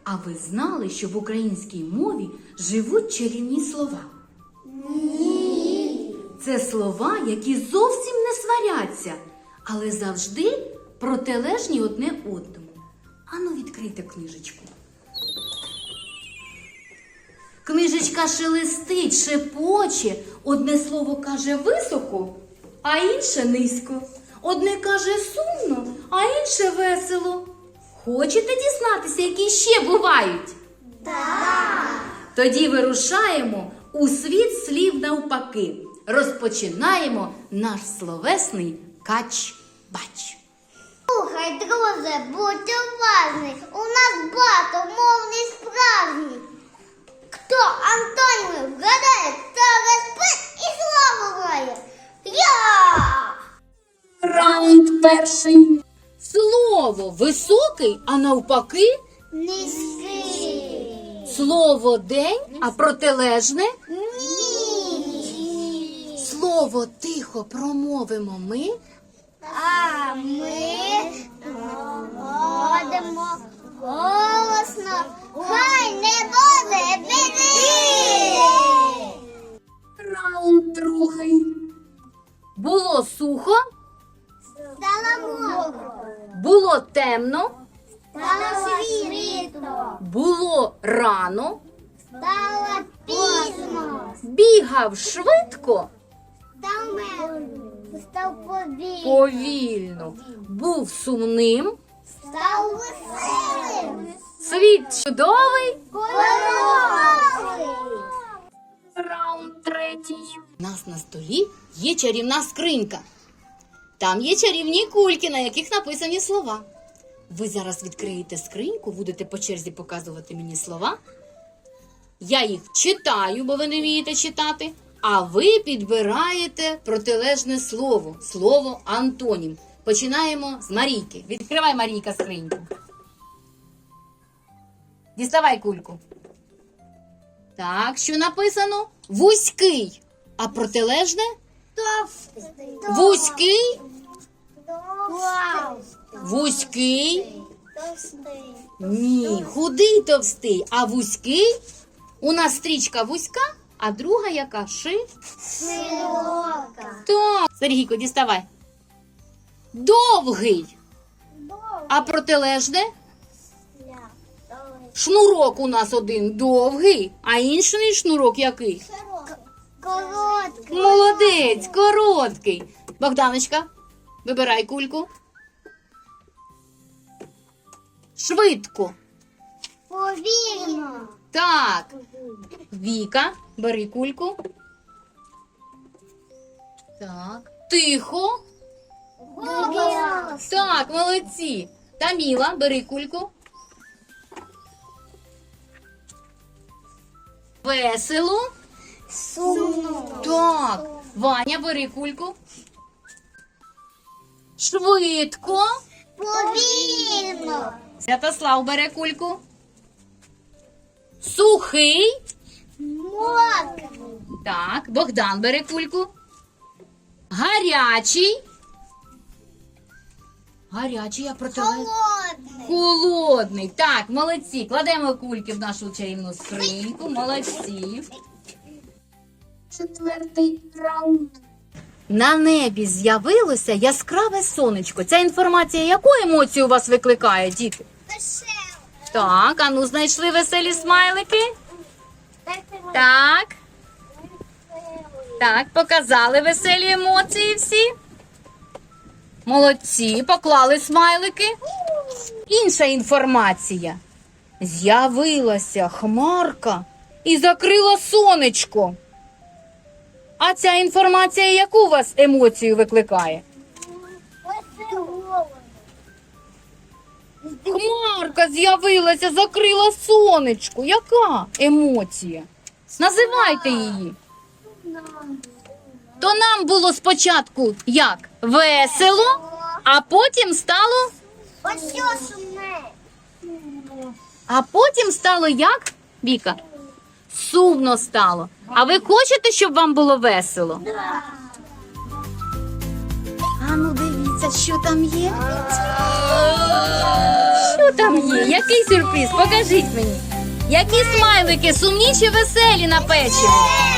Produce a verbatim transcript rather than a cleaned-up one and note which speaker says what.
Speaker 1: А ви знали, що в українській мові живуть чарівні слова?
Speaker 2: Ні.
Speaker 1: Це слова, які зовсім не сваряться, але завжди протилежні одне одному. Ану, відкрийте книжечку. Книжечка шелестить, шепоче, одне слово каже високо, а інше низько. Одне каже сумно, а інше весело. Хочете дізнатися, які ще бувають?
Speaker 2: Так.
Speaker 1: Тоді вирушаємо у світ слів навпаки. Розпочинаємо наш словесний кач-бач.
Speaker 2: Слухай, друже, будь уважний. У нас багатомовний справжній. Хто антоніми вгадає, то розпит і славу має. Я!
Speaker 1: Раунд перший. Слово високий, а навпаки
Speaker 2: Низький.
Speaker 1: слово день, а протилежне.
Speaker 2: Ні.
Speaker 1: Слово тихо промовимо ми.
Speaker 2: А ми говоримо голосно. Хай не буде біди.
Speaker 1: Раунд другий. Було сухо,
Speaker 2: Стало мокро.
Speaker 1: було темно,
Speaker 2: Стало світло.
Speaker 1: було рано,
Speaker 2: Стало пізно.
Speaker 1: бігав швидко,
Speaker 2: Став мертвим. Став повільним.
Speaker 1: повільно, був сумним,
Speaker 2: Став веселим.
Speaker 1: світ чудовий.
Speaker 2: Кольоровий.
Speaker 1: Раунд третій. У нас на столі є чарівна скринька. Там є чарівні кульки, на яких написані слова. Ви зараз відкриєте скриньку, будете по черзі показувати мені слова. Я їх читаю, бо ви не вмієте читати. А ви підбираєте протилежне слово. Слово антонім. Починаємо з Марійки. Відкривай, Марійка, скриньку. Діставай кульку. Так, що написано? Вузький. А протилежне?
Speaker 2: Товстий.
Speaker 1: Вузький,
Speaker 2: Товстий.
Speaker 1: вузький.
Speaker 2: Товстий.
Speaker 1: Ні, худий, товстий. А вузький? У нас стрічка вузька, а друга яка? Ши.
Speaker 2: Широка.
Speaker 1: Так. Сергійко, діставай. Довгий. А протилежне? Шнурок у нас один довгий, а інший шнурок який?
Speaker 2: Короткий.
Speaker 1: Молодець, короткий. Богданочка, вибирай кульку. Швидко.
Speaker 2: Повільно.
Speaker 1: Так. Віка, бери кульку. Так. Тихо.
Speaker 2: Голос.
Speaker 1: Так, молодці. Таміла, бери кульку. Весело.
Speaker 2: Сумно.
Speaker 1: Так. Ваня, бери кульку. Швидко.
Speaker 2: Повільно.
Speaker 1: Святослав бере кульку. Сухий.
Speaker 2: Мокрий.
Speaker 1: Так, Богдан бере кульку. Гарячий. Гарячий, а протилежний.
Speaker 2: Холодний.
Speaker 1: Холодний. Так, молодці. Кладемо кульки в нашу чарівну скриньку. Молодці. Четвертий раунд. На небі з'явилося яскраве сонечко. Ця інформація яку емоцію у вас викликає, діти?
Speaker 2: Веселий.
Speaker 1: Так, а ну знайшли веселі смайлики? Так. Так, показали веселі емоції всі. Молодці, поклали смайлики. Інша інформація. З'явилася хмарка і закрила сонечко. А ця інформація яку у вас емоцію викликає? Хмарка з'явилася, закрила сонечко. Яка емоція? Називайте її. То нам було спочатку як? Весело, а потім стало...
Speaker 2: Ось що сумне.
Speaker 1: А потім стало як, Віка? Сумно стало. А ви хочете, щоб вам було весело? А ну дивіться, що там є. Що Що там є? Який сюрприз? Покажіть мені. Які смайлики сумні чи веселі на печиво?